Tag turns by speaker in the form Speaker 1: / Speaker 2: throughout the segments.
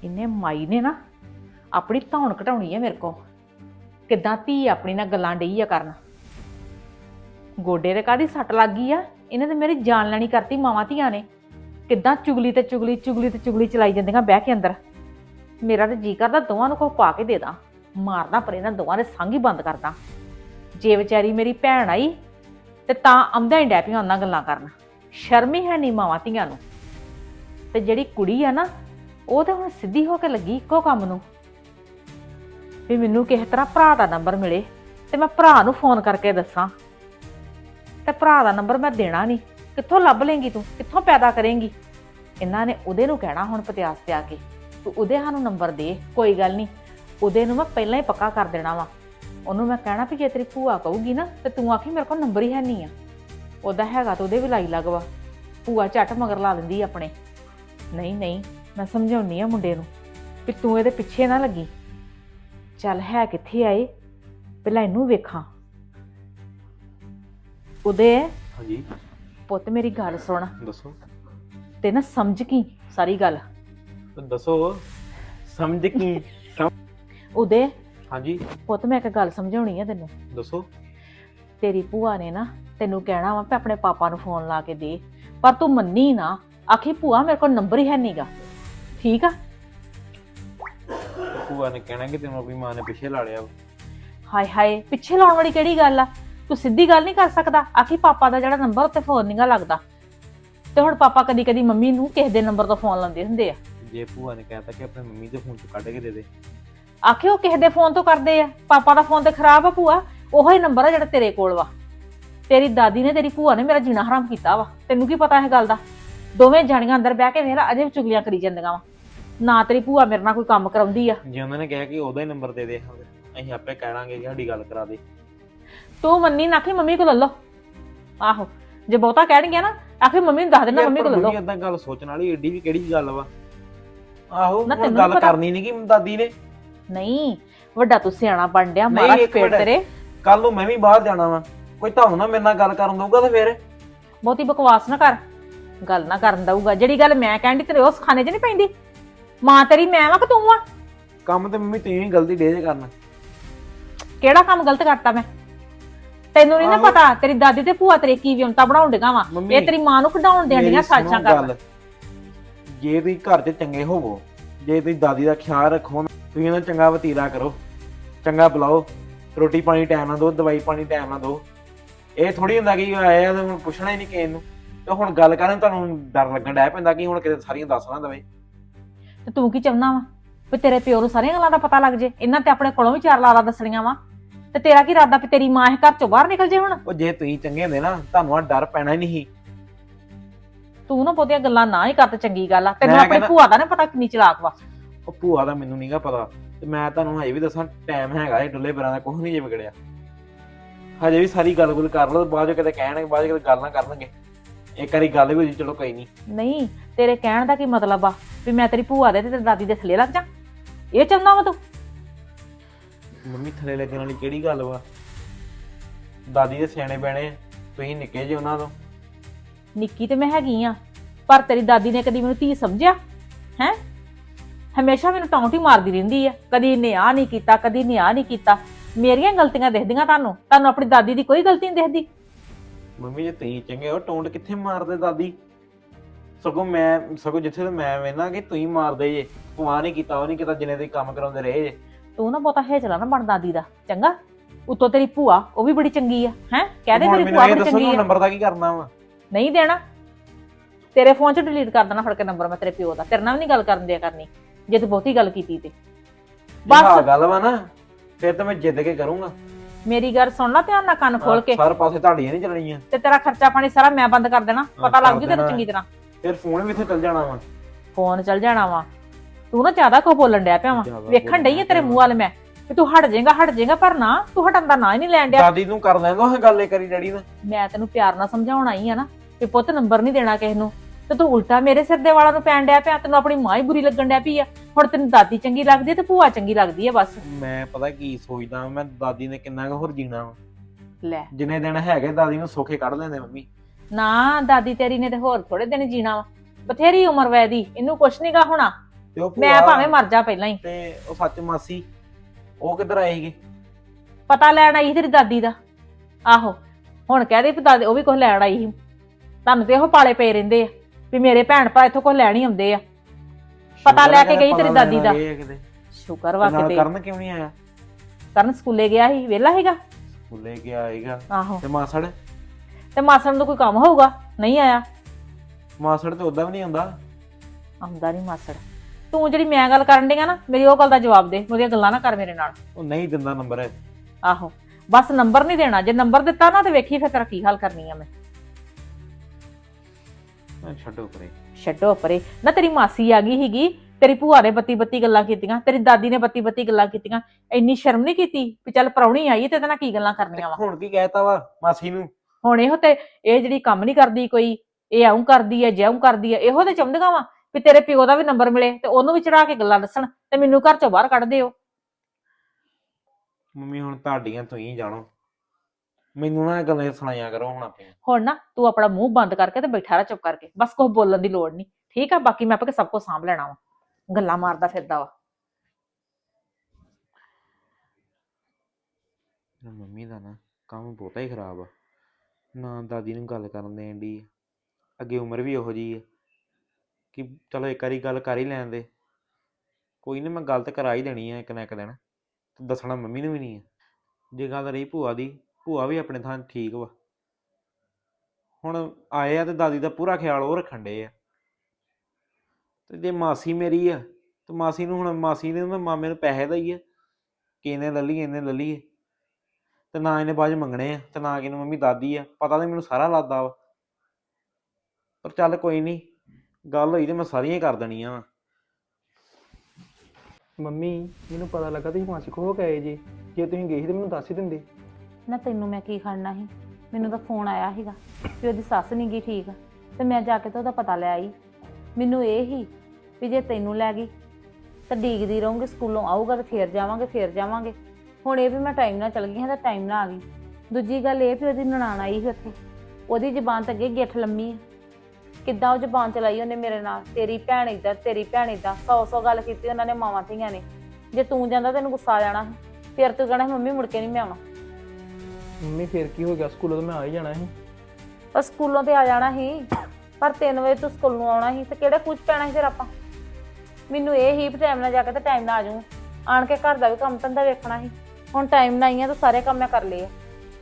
Speaker 1: ਇਹਨੇ ਮਾਈ ਨੇ ਨਾ ਆਪਣੀ ਧੌਣ ਘਟਾਉਣੀ ਹੈ ਮੇਰੇ ਕੋ। ਕਿੱਦਾਂ ਧੀ ਆਪਣੀ ਨਾਲ ਗੱਲਾਂ ਡਈ ਆ ਕਰਨ। ਗੋਡੇ ਤੇ ਕਾਹਦੀ ਸੱਟ ਲੱਗ ਗਈ ਆ, ਇਹਨੇ ਤੇ ਮੇਰੀ ਜਾਨ ਲੈਣੀ ਕਰਤੀ ਮਾਵਾਂ ਧੀਆਂ ਨੇ। ਕਿੱਦਾਂ ਚੁਗਲੀ ਤੇ ਚੁਗਲੀ ਚੁਗਲੀ ਤੇ ਚੁਗਲੀ ਚਲਾਈ ਜਾਂਦੀਆਂ ਬਹਿ ਕੇ ਅੰਦਰ। ਮੇਰਾ ਤੇ ਜੀ ਕਰਦਾ ਦੋਵਾਂ ਨੂੰ ਕੋ ਪਾ ਕੇ ਦੇ ਦਾਂ, ਮਾਰਦਾ ਪਰ ਇਹਨਾਂ ਦੋਵਾਂ ਦੇ ਸੰਗ ਹੀ ਬੰਦ ਕਰਦਾ। ਜੇ ਵਿਚਾਰੀ ਮੇਰੀ ਭੈਣ ਆਈ ਤੇ ਤਾਂ ਆਉਂਦਾ ਹੀ ਡੈ ਪਈਆਂ ਉਹਨਾਂ ਗੱਲਾਂ ਕਰਨ। ਸ਼ਰਮ ਹੀ ਹੈ ਨਹੀਂ ਮਾਵਾਂ ਧੀਆਂ ਨੂੰ। ਤੇ ਜਿਹੜੀ ਕੁੜੀ ਆ ਨਾ, ਉਹ ਤੇ ਹੁਣ ਸਿੱਧੀ ਹੋ ਕੇ ਲੱਗੀ ਇੱਕੋ ਕੰਮ ਨੂੰ ਵੀ ਮੈਨੂੰ ਕਿਸੇ ਤਰ੍ਹਾਂ ਭਰਾ ਦਾ ਨੰਬਰ ਮਿਲੇ ਤੇ ਮੈਂ ਭਰਾ ਨੂੰ ਫੋਨ ਕਰਕੇ ਦੱਸਾਂ। ਤੇ ਭਰਾ ਦਾ ਨੰਬਰ ਮੈਂ ਦੇਣਾ ਨਹੀਂ। ਕਿੱਥੋਂ ਲੱਭ ਲੇਂਗੀ ਤੂੰ, ਕਿੱਥੋਂ ਪੈਦਾ ਕਰੇਂਗੀ? ਇਹਨਾਂ ਨੇ ਉਹਦੇ ਨੂੰ ਕਹਿਣਾ ਹੁਣ ਪਤਿਆਸ ਤੇ ਆ ਕੇ ਤੂੰ ਉਹਦੇ ਸਾਨੂੰ ਨੰਬਰ ਦੇ। ਕੋਈ ਗੱਲ ਨਹੀਂ, ਉਹਦੇ ਨੂੰ ਮੈਂ ਪਹਿਲਾਂ ਹੀ ਪੱਕਾ ਕਰ ਦੇਣਾ ਵਾ। ਉਹਨੂੰ ਮੈਂ ਕਹਿਣਾ ਵੀ ਜੇ ਤੇਰੀ ਭੂਆ ਕਹੂਗੀ ਨਾ ਤੇ ਤੂੰ ਆਖੀ ਮੇਰੇ ਕੋਲ ਨੰਬਰ ਹੀ ਹੈ ਨਹੀਂ ਆ। ਉਹਦਾ ਹੈਗਾ ਤਾਂ ਉਹਦੇ ਵੀ ਲਾਈ ਲੱਗਵਾ। ਭੂਆ ਝੱਟ ਮਗਰ ਲਾ ਦਿੰਦੀ ਆਪਣੇ। ਨਹੀਂ ਨਹੀਂ, ਮੈਂ ਸਮਝਾਉਣੀ ਆ ਮੁੰਡੇ ਨੂੰ ਵੀ ਤੂੰ ਇਹਦੇ ਪਿੱਛੇ ਨਾ ਲੱਗੀ। ਚੱਲ ਹੈ ਕਿੱਥੇ ਆਏ, ਪਹਿਲਾਂ ਇਹਨੂੰ ਵੇਖਾਂ। ਉਹਦੇ
Speaker 2: ਹਾਂਜੀ
Speaker 1: ਪੁੱਤ ਮੇਰੀ ਗੱਲ ਸੁਣ
Speaker 2: ਦੱਸੋ।
Speaker 1: ਤੇ ਨਾ ਸਮਝ ਕੀ ਸਾਰੀ ਗੱਲ।
Speaker 2: ਦੱਸੋ ਸਮਝ ਕੀ
Speaker 1: ਉਹਦੇ
Speaker 2: ਹਾਂਜੀ
Speaker 1: ਪੁੱਤ ਮੈਂ ਇੱਕ ਗੱਲ ਸਮਝਾਉਣੀ ਆ ਤੈਨੂੰ।
Speaker 2: ਦੱਸੋ।
Speaker 1: ਤੇਰੀ ਭੂਆ ਨੇ ਨਾ ਤੈਨੂੰ ਕਹਿਣਾ ਵਾ ਵੀ ਆਪਣੇ ਪਾਪਾ ਨੂੰ ਫੋਨ ਲਾ ਕੇ ਦੇ, ਪਰ ਤੂੰ ਮੰਨੀ ਨਾ। ਆਖੀ ਭੂਆ ਮੇਰੇ ਕੋਲ ਨੰਬਰ ਹੀ ਹੈ ਨਹੀਂਗਾ। ਠੀਕ ਆ?
Speaker 2: ਭੂਆ ਨੇ ਕਹਿਣਾ ਕਿ ਤੈਨੂੰ ਆਪਣੀ ਮਾਂ ਨੇ ਪਿੱਛੇ ਲਾ ਲਿਆ।
Speaker 1: ਹਾਏ ਹਾਏ, ਪਿੱਛੇ ਲਾਉਣ ਵਾਲੀ ਕਿਹੜੀ ਗੱਲ ਆ? ਤੂੰ ਸਿੱਧੀ ਗੱਲ ਨਹੀਂ ਕਰ ਸਕਦਾ? ਆਖੀ ਪਾਪਾ ਦਾ ਜਿਹੜਾ ਨੰਬਰ ਉੱਤੇ ਫੋਨ ਨਹੀਂਗਾ ਲੱਗਦਾ। ਤੇ ਹੁਣ ਪਾਪਾ ਕਦੀ ਕਦੀ ਮੰਮੀ ਨੂੰ ਕਿਸੇ ਦੇ ਨੰਬਰ ਤੋਂ ਫੋਨ ਲਾਉਂਦੇ ਹੁੰਦੇ ਆ।
Speaker 2: ਜੇ ਭੂਆ ਨੇ ਕਹਿਤਾ ਕਿ ਆਪਣੇ ਮੰਮੀ ਦੇ ਫੋਨ ਤੋਂ ਕੱਢ ਕੇ ਦੇ ਦੇ।
Speaker 1: ਆਖੇ ਉਹ ਕਿਸੇ ਦੇ ਫੋਨ ਤੋਂ ਕਰਦੇ ਆ। ਪਾਪਾ ਦਾ ਫੋਨ ਤੇ ਖਰਾਬ ਆ ਭੂਆ, ਉਹੋ ਹੀ ਨੰਬਰ ਆ ਜਿਹੜਾ ਤੇਰੇ ਕੋਲ ਵਾ। ਤੇਰੀ ਦਾਦੀ ਨੇ, ਤੇਰੀ ਭੂਆ ਨੇ ਮੇਰਾ ਜੀਣਾ ਹਰਾਮ ਕੀਤਾ ਵਾ। ਤੈਨੂੰ ਕੀ ਪਤਾ ਇਹ ਗੱਲ ਦਾ? ਦੋਵੇਂ ਜਾਣੀਆਂ ਅੰਦਰ ਬਹਿ ਕੇ ਵੇਖ ਲੈ, ਅਜੇ ਵੀ ਚੁਗਲੀਆਂ ਕਰੀ ਜਾਂਦੀਆਂ ਵਾ। ਨਾ ਤੇਰੀ ਭੂਆ ਮੇਰੇ ਨਾਲ ਕੋਈ ਕੰਮ ਕਰਾਉਂਦੀ ਆ।
Speaker 2: ਜੇ ਉਹਨਾਂ ਨੇ ਕਿਹਾ ਕਿ ਉਹਦਾ ਹੀ ਨੰਬਰ ਦੇ ਦੇ, ਅਸੀਂ ਆਪੇ ਕਹਿਣਾਂਗੇ ਕਿ ਸਾਡੀ ਗੱਲ ਕਰਾ ਦੇ।
Speaker 1: ਤੂੰ ਮੰਨੀ ਨਾ, ਆਖੀ ਮੰਮੀ ਕੋਲ ਲੈ ਲਓ। ਆਹੋ, ਜੇ ਬਹੁਤਾ ਕਹਿਣਗੇ ਨਾ ਆਖੀ ਮੰਮੀ ਨੂੰ ਦੱਸ ਦੇਣਾ, ਮੰਮੀ ਕੋਲ ਲੈ ਲਓ।
Speaker 2: ਏਦਾਂ ਗੱਲ ਸੋਚਣ ਵਾਲੀ ਏਡੀ ਵੀ ਕਿਹੜੀ ਗੱਲ ਵਾ? ਆਹੋ,
Speaker 1: ਨਾ ਤੈਨੂੰ
Speaker 2: ਗੱਲ
Speaker 1: ਪਤਾ
Speaker 2: ਕਰਨੀ ਨਹੀਂ ਕਿ ਦਾਦੀ ਨੇ।
Speaker 1: ਨਹੀਂ, ਵੱਡਾ ਤੂੰ ਸਿਆਣਾ ਬਣ ਡਿਆ, ਮਾਰਾ
Speaker 2: ਨਹੀਂ, ਇੱਕ
Speaker 1: ਪੇਟ
Speaker 2: ਮਿੰਟ।
Speaker 1: ਤੇਰੇ।
Speaker 2: ਕੱਲ ਨੂੰ ਮੈਂ ਵੀ ਬਾਹਰ ਜਾਣਾ ਵਾ, ਕੋਈ ਤੁਹਾਨੂੰ ਨਾ ਮੇਰੇ ਨਾਲ ਗੱਲ ਕਰਨ ਦਊਗਾ ਤੇ ਫੇਰ
Speaker 1: ਬਹੁਤੀ ਬਕਵਾਸ ਨਾ ਕਰ। ਗੱਲ ਨਾ ਕਰਨ ਦਊਗਾ, ਜਿਹੜੀ ਗੱਲ ਮੈਂ ਕਹਿੰਦੀ ਤੇਰੇ ਉਸ ਖਾਨੇ 'ਚ ਨਹੀਂ ਪੈਂਦੀ। ਮਾਂ ਤੇਰੀ ਮੈਂ ਵਾ ਕਿ ਤੂੰ ਆ?
Speaker 2: ਕੰਮ ਤੇ ਮੰਮੀ ਤੁਸੀਂ ਗਲਤੀ ਡੇ ਕਰਨਾ।
Speaker 1: ਕਿਹੜਾ ਕੰਮ ਗਲਤ ਕਰਤਾ ਮੈਂ? ਤੈਨੂੰ ਨਹੀਂ ਨਾ ਪਤਾ ਤੇਰੀ ਦਾਦੀ ਤੇ ਭੂਆ ਤੇਰੇ ਕੀ ਵਿਉਂਤਾ ਬਣਾਉਣ ਡੀਆਂ ਵਾ। ਇਹ ਤੇਰੀ ਮਾਂ ਨੂੰ ਖਿਡਾਉਣ ਦੇਣ ਡੀਆਂ ਸਾਜ਼ਿਸ਼ਾਂ ਕਰ।
Speaker 2: ਜੇ ਤੁਸੀਂ ਘਰ 'ਚ ਚੰਗੇ ਹੋਵੋ, ਜੇ ਤੁਸੀਂ ਦਾਦੀ ਦਾ ਖਿਆਲ ਰੱਖੋ, ਤੁਸੀਂ ਇਹਨਾਂ ਚੰਗਾ ਵਤੀਰਾ ਕਰੋ, ਚੰਗਾ ਬੁਲਾਓ, ਰੋਟੀ ਪਾਣੀ ਟਾਈਮ ਨਾਲ ਦਿਓ, ਦਵਾਈ ਪਾਣੀ ਟਾਈਮ ਨਾਲ ਦਿਓ। ਇਹ ਥੋੜੀ ਹੁੰਦਾ ਕਿ ਆਇਆ ਤੇ ਹੁਣ ਪੁੱਛਣਾ ਹੀ ਨਹੀਂ ਕਿਸੇ ਨੂੰ। ਤੇ ਹੁਣ ਗੱਲ ਕਰਨ ਤੁਹਾਨੂੰ ਡਰ ਲੱਗਣ ਡੈ ਪੈਂਦਾ ਕਿ ਹੁਣ ਕਿਤੇ ਸਾਰੀਆਂ ਦੱਸ ਨਾ ਦਵੇ।
Speaker 1: ਤੇ ਤੂੰ ਕੀ ਚਾਹੁੰਦਾ ਵਾ ਵੀ ਤੇਰੇ ਪਿਓ ਨੂੰ ਸਾਰੀਆਂ ਗੱਲਾਂ ਦਾ ਪਤਾ ਲੱਗ ਜੇ? ਇਹਨਾਂ ਤੇ ਆਪਣੇ ਕੋਲੋਂ ਵੀ ਚਾਰ ਲਾਲਾ ਦੱਸਣੀਆਂ ਵਾ। ਤੇ ਤੇਰਾ ਕੀ ਇਰਾਦਾ ਵੀ ਤੇਰੀ ਮਾਂ ਇਹ ਘਰ ਚੋਂ ਬਾਹਰ ਨਿਕਲ ਜੇ ਹੁਣ?
Speaker 2: ਉਹ ਜੇ ਤੁਸੀਂ ਚੰਗੇ ਹੁੰਦੇ ਨਾ, ਤੁਹਾਨੂੰ ਆ ਡਰ ਪੈਣਾ ਹੀ ਨਹੀਂ।
Speaker 1: ਤੂੰ ਨਾ ਬਹੁਤੀਆਂ ਗੱਲਾਂ ਨਾ ਹੀ ਕਰ ਤੇ ਚੰਗੀ ਗੱਲ ਆ। ਤੈਨੂੰ ਆਪਣੀ ਭੂਆ ਦਾ ਨਾ ਪਤਾ ਕਿੰਨੀ ਚਲਾਕ ਵਾ।
Speaker 2: ਉਹ ਭੂਆ ਦਾ ਮੈਨੂੰ ਨਹੀਂਗਾ ਪਤਾ। ਤੇ ਮੈਂ ਤੁਹਾਨੂੰ ਹਜੇ ਵੀ ਦੱਸਾਂ, ਟਾਈਮ ਹੈਗਾ ਇਹ ਡੁੱਲੇ ਬਰਾਂ ਦਾ, ਕੁਝ ਨਹੀਂ ਜੇ ਵਿਗੜਿਆ। ਹਜੇ ਵੀ ਸਾਰੀ ਗੱਲ ਕਰ ਲਓ, ਬਾਅਦ ਚ ਕਿਤੇ ਕਹਿਣਗੇ, ਬਾਅਦ ਚ ਕਿਤੇ ਗੱਲ ਨਾ ਕਰਨਗੇ। ਇੱਕ ਵਾਰੀ ਗੱਲ ਵੀ ਹੋ ਜੀ, ਚਲੋ ਕੋਈ ਨਹੀਂ।
Speaker 1: ਨਹੀਂ, ਤੇਰੇ ਕਹਿਣ ਦਾ ਕੀ ਮਤਲਬ ਆ ਵੀ ਮੈਂ ਤੇਰੀ ਭੂਆ ਦੇ ਤੇ ਤੇਰੀ ਦਾਦੀ ਦੇ ਥੱਲੇ ਲੱਗ ਜਾ? ਇਹ ਚਾਹੁੰਦਾ ਵਾ ਤੂੰ?
Speaker 2: ਮੰਮੀ ਥੱਲੇ ਲੱਗਣ ਵਾਲੀ ਕਿਹੜੀ ਗੱਲ ਵਾ? ਦਾਦੀ ਦੇ ਸਿਆਣੇ ਬਹਿਣੇ, ਤੁਸੀਂ ਨਿੱਕੇ ਜੇ ਉਹਨਾਂ ਤੋਂ।
Speaker 1: ਨਿੱਕੀ ਤੇ ਮੈਂ ਹੈਗੀ ਆ, ਪਰ ਤੇਰੀ ਦਾਦੀ ਨੇ ਕਦੀ ਮੈਨੂੰ ਧੀ ਸਮਝਿਆ ਹੈ? ਹਮੇਸ਼ਾ ਮੈਨੂੰ ਟੌਂਟ ਹੀ ਮਾਰਦੀ ਰਹਿੰਦੀ ਆ। ਕਦੀ ਇਹਨੇ ਆਹ ਨਹੀਂ ਕੀਤਾ, ਕਦੀ ਇਹਨੇ ਆਹ ਨਹੀਂ ਕੀਤਾ। ਮੇਰੀਆਂ ਗਲਤੀਆਂ ਦਿਖਦੀਆਂ ਤੁਹਾਨੂੰ ਆਪਣੀ ਦਾਦੀ ਦੀ ਕੋਈ ਗਲਤੀ ਨਹੀਂ ਦਿਖਦੀ।
Speaker 2: ਮੰਮੀ ਜੇ ਤੁਸੀਂ ਚੰਗੇ ਹੋ, ਟੌਂਟ ਕਿੱਥੇ ਮਾਰਦੇ ਦਾਦੀ? ਸਗੋਂ ਜਿੱਥੇ ਮੈਂ ਵੇਖਣਾ ਕਿ ਤੁਸੀਂ ਮਾਰਦੇ ਜੇ। ਤੂੰ ਆਹ ਨਹੀਂ ਕੀਤਾ, ਉਹ ਨਹੀਂ ਕੀਤਾ, ਜਿੰਨੇ ਤੁਸੀਂ ਕੰਮ ਕਰਾਉਂਦੇ ਰਹੇ ਜੇ।
Speaker 1: ਤੂੰ ਨਾ ਬਹੁਤਾ ਹੇਚਲਾ ਨਾ ਬਣ ਦਾਦੀ ਦਾ, ਚੰਗਾ? ਉੱਤੋਂ ਤੇਰੀ ਭੂਆ ਉਹ ਵੀ ਬੜੀ ਚੰਗੀ ਆ। ਹੈ ਕਹਦੇ ਮੇਰੀ ਭੂਆ ਬੜੀ ਚੰਗੀ ਆ।
Speaker 2: ਨੰਬਰ ਦਾ ਕੀ ਕਰਨਾ ਵਾ?
Speaker 1: ਨਹੀਂ ਦੇਣਾ। ਤੇਰੇ ਫੋਨ 'ਚ ਡਿਲੀਟ ਕਰ ਦੇਣਾ ਫੜ ਕੇ ਨੰਬਰ ਮੈਂ ਤੇਰੇ ਪਿਓ ਦਾ। ਤੇਰੇ ਨਾਲ ਵੀ ਨਹੀਂ ਗੱਲ ਕਰਨ ਦਿਆ ਕਰਨੀ ਜੇ ਤੂੰ ਬਹੁਤੀ ਗੱਲ ਕੀਤੀ ਤੇ।
Speaker 2: ਬਸ ਗੱਲ ਵਾ ਨਾ, ਫਿਰ ਤਾਂ ਮੈਂ ਜਿੱਦ ਕੇ ਕਰੂੰਗਾ।
Speaker 1: ਮੇਰੀ ਗੱਲ ਸੁਣ ਲੈ ਧਿਆਨ ਨਾਲ, ਕੰਨ ਖੋਲ ਕੇ।
Speaker 2: ਸਾਰੇ ਪਾਸੇ ਤੁਹਾਡੀਆਂ ਨਹੀਂ ਚੱਲਣੀਆਂ।
Speaker 1: ਤੇ ਤੇਰਾ ਖਰਚਾ ਪਾਣੀ ਸਾਰਾ ਮੈਂ ਬੰਦ ਕਰ ਦੇਣਾ, ਪਤਾ ਲੱਗ ਜੂ ਤੈਨੂੰ ਚੰਗੀ ਤਰ੍ਹਾਂ।
Speaker 2: ਫਿਰ ਫੋਨ ਵੀ ਇੱਥੇ ਚੱਲ ਜਾਣਾ ਵਾ।
Speaker 1: ਫੋਨ ਚੱਲ ਜਾਣਾ ਵਾ? ਤੂੰ ਨਾ ਜ਼ਿਆਦਾ ਕੋ ਬੋਲਣ ਡਿਆ ਪਿਆ ਵਾ। ਵੇਖਣ ਡਈ ਆ ਤੇਰੇ ਮੂੰਹ ਵੱਲ ਮੈਂ ਕਿ ਤੂੰ ਹਟ ਜਾਏਗਾ, ਪਰ ਨਾ, ਤੂੰ ਹਟਣ ਦਾ ਨਾਂ ਹੀ ਨਹੀਂ ਲੈਣ ਡਿਆ।
Speaker 2: ਦਾਦੀ ਨੂੰ ਕਰ ਲੈਂਦਾ ਉਹ ਗੱਲ ਕਰੀ ਡੈਡੀ ਨਾਲ।
Speaker 1: ਮੈਂ ਤੈਨੂੰ ਪਿਆਰ ਨਾਲ ਸਮਝਾਉਣ ਆਈ ਆ ਨਾ ਕਿ ਪੁੱਤ ਨੰਬਰ ਨਹੀਂ ਦੇਣਾ ਕਿਸੇ ਨੂੰ, ਤੇ ਤੂੰ ਉਲਟਾ ਮੇਰੇ ਸਿਰ ਦੇ ਵਾਲਾਂ ਨੂੰ ਪੈਣ ਡਿਆ ਪਿਆ। ਤੈਨੂੰ ਆਪਣੀ ਮਾਂ ਹੀ ਬੁਰੀ ਲੱਗਣ ਡਿਆ ਪਈ ਆ। ਹੁਣ ਤੈਨੂੰ ਦਾਦੀ ਚੰਗੀ ਲੱਗਦੀ ਹੈ ਤੇ ਭੂਆ ਚੰਗੀ ਲੱਗਦੀ ਹੈ ਬਸ।
Speaker 2: ਮੈਂ ਪਤਾ ਕੀ ਸੋਚਦਾ, ਮੈਂ ਦਾਦੀ ਨੇ ਕਿੰਨਾ ਕੁ ਹੋਰ ਜੀਣਾ ਵਾ।
Speaker 1: ਲੈ,
Speaker 2: ਜਿੰਨੇ ਦਿਨ ਹੈਗੇ ਦਾਦੀ ਨੂੰ ਸੌਖੇ ਕੱਢ ਲੈਂਦੇ ਮੰਮੀ।
Speaker 1: ਨਾ, ਦਾਦੀ ਤੇਰੀ ਨੇ ਤੇ ਹੋਰ ਥੋੜੇ ਦਿਨ ਜੀਣਾ ਵਾ। ਬਥੇਰੀ ਉਮਰ ਵੈ ਦੀ, ਇਹਨੂੰ ਕੁਛ ਨੀ ਗਾ ਹੋਣਾ।
Speaker 2: ਤੇ ਉਹ
Speaker 1: ਮੈਂ
Speaker 2: ਭੂਆ
Speaker 1: ਭਾਵੇਂ ਮਰ ਜਾ ਪਹਿਲਾਂ ਹੀ।
Speaker 2: ਤੇ ਉਹ ਸੱਚ ਮਾਸੀ ਉਹ ਕਿੱਧਰ ਆਏ ਸੀਗੇ?
Speaker 1: ਪਤਾ ਲੈਣ ਆਈ ਸੀ ਤੇਰੀ ਦਾਦੀ ਦਾ। ਆਹੋ, ਹੁਣ ਕਹਦੇ ਵੀ ਦਾਦੀ ਉਹ ਵੀ ਕੁਝ ਲੈਣ ਆਈ ਸੀ। ਤੁਹਾਨੂੰ ਤੇ ਇਹੋ ਪਾਲੇ ਪਏ ਰਹਿੰਦੇ ਆ ਵੀ ਮੇਰੇ ਭੈਣ ਭਰਾ ਇੱਥੋਂ ਕੁਝ ਲੈਣ ਹੀ ਆਉਂਦੇ ਆ। ਪਤਾ ਲੈ ਕੇ ਗਈ ਤੇਰੀ ਦਾਦੀ ਦਾ। ਸ਼ੁਕਰ ਵਾ
Speaker 2: ਨਾਲ
Speaker 1: ਕਿਤੇ।
Speaker 2: ਕਰਨ ਕਿਉਂ ਨਹੀਂ ਆਇਆ?
Speaker 1: ਕਰਨ ਸਕੂਲੇ ਗਿਆ ਸੀ, ਵਿਹਲਾ ਸੀਗਾ।
Speaker 2: ਸਕੂਲੇ ਗਿਆ ਆਏਗਾ।
Speaker 1: ਆਹੋ,
Speaker 2: ਤੇ ਮਾਸੜ?
Speaker 1: ਤੇ ਮਾਸੜ ਨੂੰ ਕੋਈ ਕੰਮ ਹੋਊਗਾ, ਨਹੀਂ ਆਇਆ।
Speaker 2: ਮਾਸੜ ਤੇ ਉਦਾਂ ਵੀ ਨਹੀਂ ਆਉਂਦਾ।
Speaker 1: ਆਉਂਦਾ ਨਹੀਂ ਮਾਸੜ। ਤੂੰ ਜਿਹੜੀ ਮੈਂ ਗੱਲ ਕਰਨ ਡਈ ਆ ਨਾ, ਮੇਰੀ ਉਹ ਗੱਲ ਦਾ ਜਵਾਬ ਦੇ। ਉਹਦੀਆਂ ਗੱਲਾਂ ਨਾ ਕਰ ਮੇਰੇ ਨਾਲ।
Speaker 2: ਉਹ ਨਹੀਂ ਦਿੰਦਾ ਨੰਬਰ ਹੈ।
Speaker 1: ਆਹੋ, ਬਸ ਨੰਬਰ ਨਹੀਂ ਦੇਣਾ। ਜੇ ਨੰਬਰ ਦਿੱਤਾ ਨਾ ਤੇ ਵੇਖੀ ਫਿਰ ਤੇਰਾ ਕੀ ਹਾਲ ਕਰਨੀ ਆ ਮੈਂ।
Speaker 2: ਛੱਡੋ ਪਰੇ।
Speaker 1: ਛੱਡੋ ਪਰੇ ਨਾ। ਤੇਰੀ ਮਾਸੀ ਆ ਗਈ ਸੀਗੀ, ਤੇਰੀ ਭੂਆ ਨੇ ਬੱਤੀ ਬੱਤੀ ਗੱਲਾਂ ਕੀਤੀਆਂ, ਤੇਰੀ ਦਾਦੀ ਨੇ ਬੱਤੀ ਬੱਤੀ ਗੱਲਾਂ ਕੀਤੀਆਂ। ਇੰਨੀ ਸ਼ਰਮ ਨਹੀਂ ਕੀਤੀ ਵੀ ਚੱਲ ਪ੍ਰਾਹੁਣੀ ਆਈ ਤੇ ਇਹਦੇ ਨਾਲ ਕੀ ਗੱਲਾਂ ਕਰਨੀਆਂ ਵਾ।
Speaker 2: ਹੁਣ ਕੀ ਕਹਿਤਾ ਵਾ ਮਾਸੀ ਨੂੰ?
Speaker 1: ਹੁਣ ਇਹੋ ਤੇ ਇਹ ਜਿਹੜੀ ਕੰਮ ਨਹੀਂ ਕਰਦੀ ਕੋਈ, ਇਹ ਆਉਂ ਕਰਦੀ ਹੈ ਜਿਉਂ ਕਰਦੀ ਹੈ, ਇਹੋ ਤੇ ਚਾਹੁੰਦੀਆਂ ਵਾ ਵੀ ਤੇਰੇ ਪਿਓ ਦਾ ਵੀ ਨੰਬਰ ਮਿਲੇ ਤੇ ਉਹਨੂੰ ਵੀ ਚੜਾ ਕੇ ਗੱਲਾਂ ਦੱਸਣ ਤੇ ਮੈਨੂੰ ਘਰ ਚੋਂ ਬਾਹਰ ਕੱਢ ਦਿਓ।
Speaker 2: ਮੰਮੀ ਹੁਣ ਤੁਹਾਡੀਆਂ ਤੁਸੀਂ ਜਾਣੋ, ਮੈਨੂੰ ਨਾ ਇਹ ਗੱਲਾਂ ਸੁਣਾਇਆ ਕਰੋ ਹੁਣ ਆਪੇ।
Speaker 1: ਹੁਣ ਨਾ ਤੂੰ ਆਪਣਾ ਮੂੰਹ ਬੰਦ ਕਰਕੇ ਤੇ ਬੈਠਾ ਰਹਿ ਚੁੱਪ ਕਰਕੇ, ਬਸ ਕੁਝ ਬੋਲਣ ਦੀ ਲੋੜ ਨਹੀਂ, ਠੀਕ ਆ? ਬਾਕੀ ਮੈਂ ਆਪੇ ਸਭ ਕੁਝ ਸਾਂਭ ਲੈਣਾ ਵਾ। ਗੱਲਾਂ ਮਾਰਦਾ ਫਿਰਦਾ ਵਾ।
Speaker 2: ਮੰਮੀ ਦਾ ਨਾ ਕੰਮ ਬਹੁਤਾ ਹੀ ਖਰਾਬ ਆ। ਨਾ ਦਾਦੀ ਨੂੰ ਗੱਲ ਕਰਨ ਦੇਣ ਦੀ, ਅੱਗੇ ਉਮਰ ਵੀ ਉਹੋ ਜਿਹੀ ਹੈ ਕਿ ਚਲੋ ਇੱਕ ਵਾਰੀ ਗੱਲ ਕਰ ਹੀ ਲੈਣ ਦੇ। ਕੋਈ ਨਹੀਂ, ਮੈਂ ਗੱਲ ਤਾਂ ਕਰਾ ਹੀ ਦੇਣੀ ਹੈ ਇੱਕ ਨਾ ਇੱਕ ਦਿਨ। ਦੱਸਣਾ ਮੰਮੀ ਨੂੰ ਵੀ ਨਹੀਂ ਹੈ। ਜੇ ਗੱਲ ਰਹੀ ਭੂਆ ਦੀ, ਭੂਆ ਵੀ ਆਪਣੇ ਥਾਂ ਠੀਕ ਵਾ। ਹੁਣ ਆਏ ਆ ਤੇ ਦਾਦੀ ਦਾ ਪੂਰਾ ਖਿਆਲ ਉਹ ਰੱਖਣ ਡੇ ਆ। ਤੇ ਜੇ ਮਾਸੀ ਮੇਰੀ ਆ ਤੇ ਮਾਸੀ ਨੂੰ, ਹੁਣ ਮਾਸੀ ਨੇ ਨਾ ਮਾਮੇ ਨੂੰ ਪੈਸੇ ਦਈਏ ਕਿ ਇਹਨੇ ਲੈ ਲਈਏ ਇਹਨੇ ਲੈ ਲਈਏ, ਤੇ ਨਾ ਇਹਨੇ ਬਾਅਦ 'ਚ ਮੰਗਣੇ ਆ, ਤੇ ਨਾ ਕਿਹਨੂੰ ਮੰਮੀ ਦਾਦੀ ਆ। ਪਤਾ ਤਾਂ ਮੈਨੂੰ ਸਾਰਾ ਲੱਗਦਾ ਵਾ, ਪਰ ਚੱਲ ਕੋਈ ਨਹੀਂ, ਗੱਲ ਹੋਈ ਤੇ ਮੈਂ ਸਾਰੀਆਂ ਹੀ ਕਰ ਦੇਣੀਆਂ ਵਾ।
Speaker 3: ਮੰਮੀ ਮੈਨੂੰ ਪਤਾ ਲੱਗਾ ਤੁਸੀਂ ਮਾਸੀ ਕੋਲ ਹੋ ਕੇ ਆਏ ਜੀ। ਜੇ ਤੁਸੀਂ ਗਏ ਸੀ ਤਾਂ ਮੈਨੂੰ ਦੱਸ ਹੀ ਦਿੰਦੇ।
Speaker 1: ਨਾ ਤੈਨੂੰ ਮੈਂ ਕੀ ਖੜਨਾ ਸੀ? ਮੈਨੂੰ ਤਾਂ ਫੋਨ ਆਇਆ ਸੀਗਾ ਵੀ ਉਹਦੀ ਸੱਸ ਨਹੀਂ ਗਈ ਠੀਕ, ਤੇ ਮੈਂ ਜਾ ਕੇ ਤਾਂ ਉਹਦਾ ਪਤਾ ਲੈ ਆਈ। ਮੈਨੂੰ ਇਹ ਹੀ ਵੀ ਜੇ ਤੈਨੂੰ ਲੈ ਗਈ ਤਾਂ ਡੀਕਦੀ ਰਹੂੰਗੀ, ਸਕੂਲੋਂ ਆਊਗਾ ਤੇ ਫੇਰ ਜਾਵਾਂਗੇ ਫੇਰ ਜਾਵਾਂਗੇ। ਹੁਣ ਇਹ ਵੀ ਮੈਂ ਟਾਈਮ ਨਾਲ ਚਲ ਗਈ ਹਾਂ ਤਾਂ ਟਾਈਮ ਨਾਲ ਆ ਗਈ। ਦੂਜੀ ਗੱਲ ਇਹ ਵੀ ਉਹਦੀ ਨਨਾਣ ਆਈ ਸੀ ਉੱਥੇ, ਉਹਦੀ ਜ਼ਬਾਨ ਤਾਂ ਅੱਗੇ ਗਿੱਠ ਲੰਮੀ ਆ। ਕਿੱਦਾਂ ਉਹ ਜ਼ਬਾਨ ਚਲਾਈ ਉਹਨੇ ਮੇਰੇ ਨਾਲ, ਤੇਰੀ ਭੈਣ ਇੱਦਾਂ ਤੇਰੀ ਭੈਣ ਇੱਦਾਂ, 100 ਗੱਲ ਕੀਤੀ ਉਹਨਾਂ ਨੇ ਮਾਵਾਂ ਧੀਆਂ ਨੇ। ਜੇ ਤੂੰ ਜਾਂਦਾ ਤੈਨੂੰ ਗੁੱਸਾ ਆ ਜਾਣਾ ਸੀ, ਫਿਰ ਤੂੰ ਕਹਿਣਾ ਮੰਮੀ ਮੁੜ ਕੇ ਨਹੀਂ ਮੈਂ ਆਉਣਾ।
Speaker 3: ਮੰਮੀ ਫੇਰ ਕੀ ਹੋ ਗਿਆ, ਸਕੂਲੋਂ ਤਾਂ ਮੈਂ ਆ ਹੀ ਜਾਣਾ ਸੀ।
Speaker 1: ਪਰ ਸਕੂਲੋਂ ਤੇ ਆ ਜਾਣਾ ਸੀ, ਪਰ 3 ਵਜੇ ਤੂੰ ਸਕੂਲ ਨੂੰ ਆਉਣਾ ਸੀ ਤੇ ਕਿਹੜੇ ਕੁਝ ਪੈਣਾ ਸੀ ਫਿਰ ਆਪਾਂ। ਮੈਨੂੰ ਇਹ ਹੀ ਵੀ ਟਾਈਮ ਨਾਲ ਜਾ ਕੇ ਤੇ ਟਾਈਮ ਨਾਲ ਆ ਜਾਊਂ, ਆਣ ਕੇ ਘਰ ਦਾ ਵੀ ਕੰਮ ਧੰਦਾ ਵੇਖਣਾ ਸੀ। ਹੁਣ ਟਾਈਮ ਨਾਲ ਆਈ ਆ ਤਾਂ ਸਾਰੇ ਕੰਮ ਮੈਂ ਕਰ ਲਏ ਆ।